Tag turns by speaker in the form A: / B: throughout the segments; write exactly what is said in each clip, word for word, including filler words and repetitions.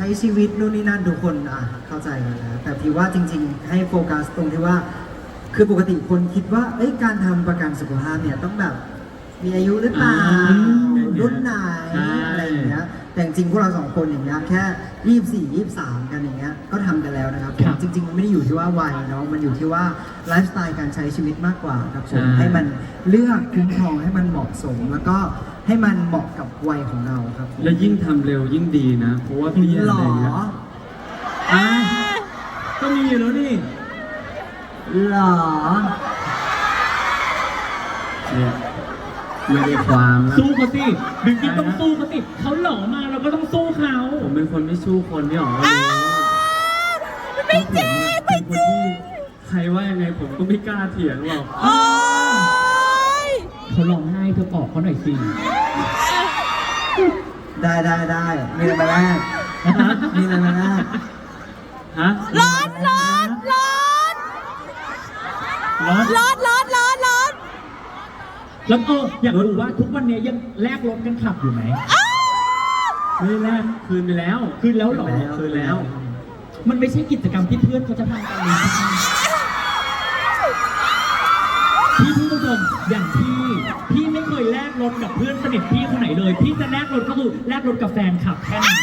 A: ช้ชีวิตนู่นนี่นั่นทุกคนอ่ะเข้าใจนะแต่พี่ว่าจริงๆให้โฟกัสตรงที่ว่าคือปกติคนคิดว่าเอ้ยการทำประกันสุขภาพเนี่ยต้องแบบมีอายุหรือเปล่ารุ่นไหนอะไรอย่างเงี้ยแต่จริงๆพวกเราสองคนอย่างเงี้ยแค่ยี่สิบสี่ ยี่สิบสามกันอย่างเงี้ยก็ทำกันแล้วนะครับผมจริงๆมันไม่ได้อยู่ที่ว่าวัยเนาะมันอยู่ที่ว่าไลฟ์สไตล์การใช้ชีวิตมากกว่าครับผมให้มันเลือกคุ้มครองให้มันเหมาะสมแล้วก็ให้มันเหมาะกับวัยของเราครับ
B: แล้วยิ่งทำเร็วยิ่งดีนะเพราะว่าพี่อะไร
A: หรอ
B: เงี้ยอ่ะก็มีอยู่แล้วนี่
A: หรอ
B: เนี่ยไม่ได้ความนะ
C: สู้เขาสิดึงกินต้องสู้เขาสิเขาหล่อมาเราก็ต้องสู้เขา
B: ผมเป็นคนไม่สู้คนที่ออกมา
D: ไม่จริงไม่จริง
B: ใครว่ายังไงผมก็ไม่กล้าเถียงหรอก
D: โอ๊ย
C: เขาร้องไห้เธอปอบเขาหน่อยสิ
A: ได้ได้ได้มีอะไรมาแลกมีอะไรมาแลก
B: ฮะ
D: ร้อนร้อนร้อน
C: ร้อน
D: ร้อนร้อนร้อนร้อน
C: แล้วก็อยากรู้ว่าทุกวันนี้ยังแลกรถกันขับอยู่ไหม
B: ไม่ได้แลกคืนไปแล้ว
C: คืนแล้วเหรอ
B: คืนแล้ว
C: มันไม่ใช่กิจกรรมที่เพื่อนเขาจะทำกันเลยพี่พี่ผู้ชมอย่างพี่พี่ไม่เคยแลกรถกับเพื่อนสนิทพี่คนไหนเลย พี่จะแลกรถก็คือแลกรถกับแฟนขับแค่นั้น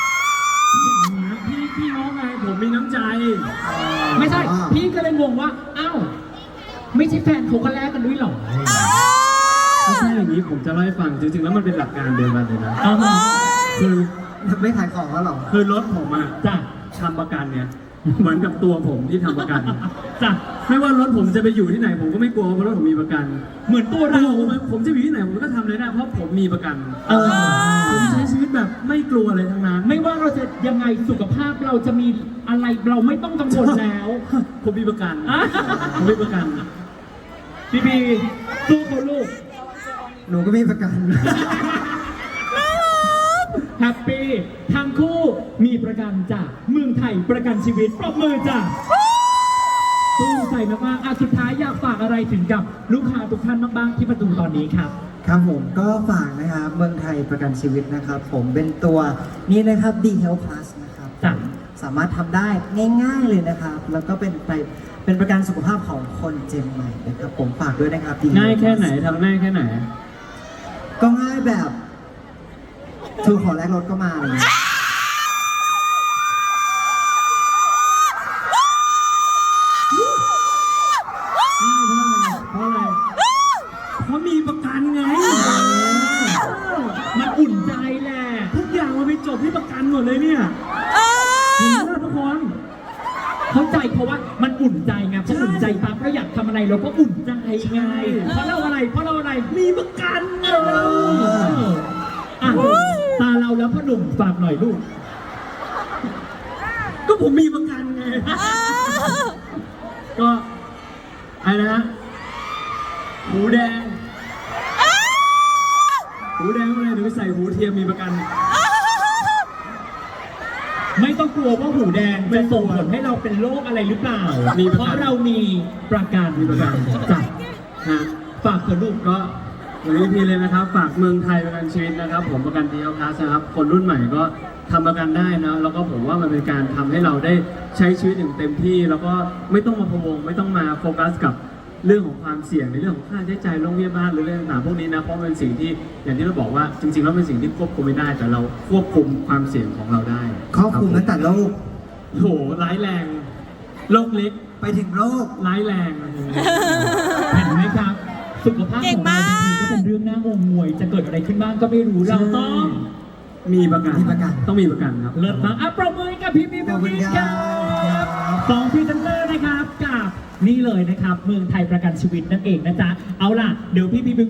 B: พี่พี่น้องไงผมมีน้ำใจ
C: ไม่ใช่ พี่ก็เลยงงว่าอ้าวไม่ใช่แฟนเขาก็แลกกันด้วยเหรอ
B: ไม่ใช่อย่างนี้ผมจะเล่าให้ฟังจริงๆแล้วมันเป็นหลักการเดียวกันเลยนะ
C: เอามา
B: คือ
A: ไม่ขายของแล้วหรอ
B: คือรถผมอะ
C: จ้ะ
B: ทำประกันเนี่ยเหมือนกับตัวผมที่ทำประกัน
C: จ้ะ
B: ไม่ว่ารถผมจะไปอยู่ที่ไหนผมก็ไม่กลัวเพราะรถผมมีประกัน
C: เหมือนตัว
B: เรา
C: เรา
B: ผมจะอยู่ที่ไหนผมก็ทำเลยได้เพราะผมมีประกัน
C: เออ
B: ผมใช้ชีวิตแบบไม่กลัวอะไรทั้งนั้น
C: ไม่ว่าเราจะยังไงสุขภาพเราจะมีอะไรเราไม่ต้องกังวลแล้ว
B: ผมมีประกัน
C: อ่ะ
B: ผมมีประกัน
C: พี่บีสู้เขาลูก
A: หนูก็มีประกัน
C: แฮปปี้ทั้งคู่มีประกันจ้ะเมืองไทยประกันชีวิตปรบมือจ้ะสู้ใจมากๆอ่ะสุดท้ายอยากฝากอะไรถึงกับลูกค้าทุกท่านบ้างๆที่ประตูตอนนี้ครับ
A: ครับผมก็ฝากนะครับเมืองไทยประกันชีวิตนะครับผมเป็นตัวนี้นะครับ D Health Plus นะครับ
C: จ้ะ
A: สามารถทำได้ง่ายๆเลยนะครับ แล้วก็เป็นไปเป็นประกันสุขภาพของคนเจนใหม่นะครับผมฝากด้วยนะครับ D Health
B: ง่ายแค่
A: Plus
B: ไหนทำง่ายแค่ไหน
A: ก็ง่ายแบบทูขอแลกรถก็มาเลย
B: เพราะอะไร เพราะมีประกันไง
C: มันอุ่นใจแหละ
B: ทุกอย่างมันไปจบที่ประกันหมดเลยเนี่ย
D: เอ
B: เห็น
D: อ
B: ไหมทุกคน
C: เข้าใจเพราะว่ามันอุ่นใจไงเพราะอุ่นใจปั๊บเราอยากทำอะไรเราก็อุ่นใจไงเพราะเราอะไรเพราะเราอะไรมีประกันเอออ่ะตาเราแล้วพ่อหนุ่มฝากหน่อยลูก
B: ก็ผมมีประกันไง ก็อะไรนะหูแดง หูแดงอะไรหรือใส่หูเทียมมีประกัน
C: ไม่ต้องกลัวว่าหูแดงจะส่งผลให้เราเป็นโรคอะไรหรือเปล่า
B: มีประกัน
C: เพราะเรามีประกัน
B: มีประกัน
C: จ้ะ
B: ฮะ
C: ฝากเถอะลูก
B: ก็วันนี้พี่เลยนะครับ ฝากเมืองไทยประกันชีวิตนะครับ ผมประกันดีเอลพลัสนะครับ คนรุ่นใหม่ก็ทำประกันได้นะ แล้วก็ผมว่ามันเป็นการทำให้เราได้ใช้ชีวิตอย่างเต็มที่ แล้วก็ไม่ต้องมาพะวงไม่ต้องมาโฟกัสกับเรื่องของความเสี่ยงในเรื่องของค่าใช้จ่ายโรงพยาบาลหรือเรื่องต่างๆพวกนี้นะเพราะมันเป็นสิ่งที่อย่างที่เราบอกว่าจริงๆแล้วเป็นสิ่งที่ควบคุมไม่ได้ แต่เราควบคุมความเสี่ยงของเราได้
A: ครอบคลุมตั้งแต่โรค
B: โอ้โหร้ายแรงโรคเล็ก
A: ไปถึงโรค
B: ร้ายแรง
C: เห็นไหมครับ สุขภาพของเราจริงๆก็เป็นเรื่องน่างงงวย จะเกิดอะไรขึ้นบ้างก็ไม่รู้เราต้อง
B: มีประกัน
A: มีประกัน
B: ต้องมีประกันครับ
C: เลิศมากอ่ะปรบมือให้กับพี่พี่
A: ขอบคุณ
C: พี่
A: ค
C: ค
A: รั
C: รับบ สองพรีเซนเตอร์นะครับกับนี่เลยนะครับ เมืองไทยประกันชีวิตนั่นเองนะจ๊ะเอาล่ะเดี๋ยวพี่พี่